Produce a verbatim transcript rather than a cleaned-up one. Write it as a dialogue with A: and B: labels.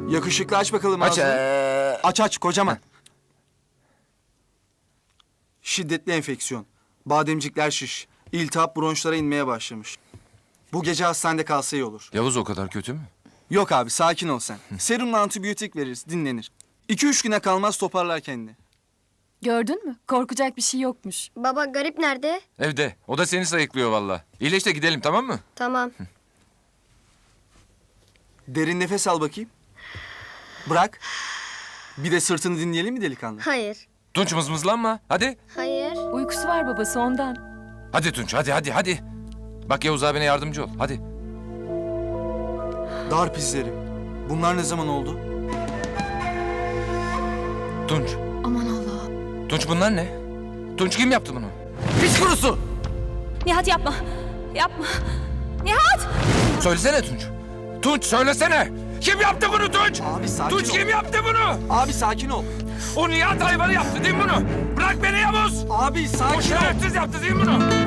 A: Yakışıklı, aç bakalım
B: Aç.
A: ağzını.
B: ee.
A: Aç aç kocaman. Şiddetli enfeksiyon. Bademcikler şiş. İltihap bronşlara inmeye başlamış. Bu gece hastanede kalsa iyi olur.
B: Yavuz o kadar kötü mü?
A: Yok abi, sakin ol sen. Serumla antibiyotik veririz, dinlenir. İki üç güne kalmaz toparlar kendini.
C: Gördün mü? Korkacak bir şey yokmuş.
D: Baba garip nerede?
B: Evde. O da seni sayıklıyor valla. İyileş de gidelim, tamam mı?
D: Tamam.
A: Derin nefes al bakayım. Bırak. Bir de sırtını dinleyelim mi delikanlı?
D: Hayır.
B: Tunç mızmızlanma. Hadi.
D: Hayır.
C: Uykusu var babası ondan.
B: Hadi Tunç, hadi hadi hadi. Bak Yavuz abine yardımcı ol. Hadi.
A: Darp izleri. Bunlar ne zaman oldu?
B: Tunç.
C: Aman Allah.
B: Tunç bunlar ne? Tunç kim yaptı bunu? Pis kurusu!
C: Nihat yapma. Yapma. Nihat!
B: Söylesene Tunç. Tunç söylesene. Kim yaptı bunu Tunç?
A: Abi sakin
B: Tunç
A: ol.
B: kim yaptı bunu?
A: Abi sakin ol.
B: O Nihat hayvanı yaptı değil mi bunu? Bırak beni Yavuz.
A: Abi
B: O
A: sakin ol.
B: şerefsiz yaptı değil mi bunu?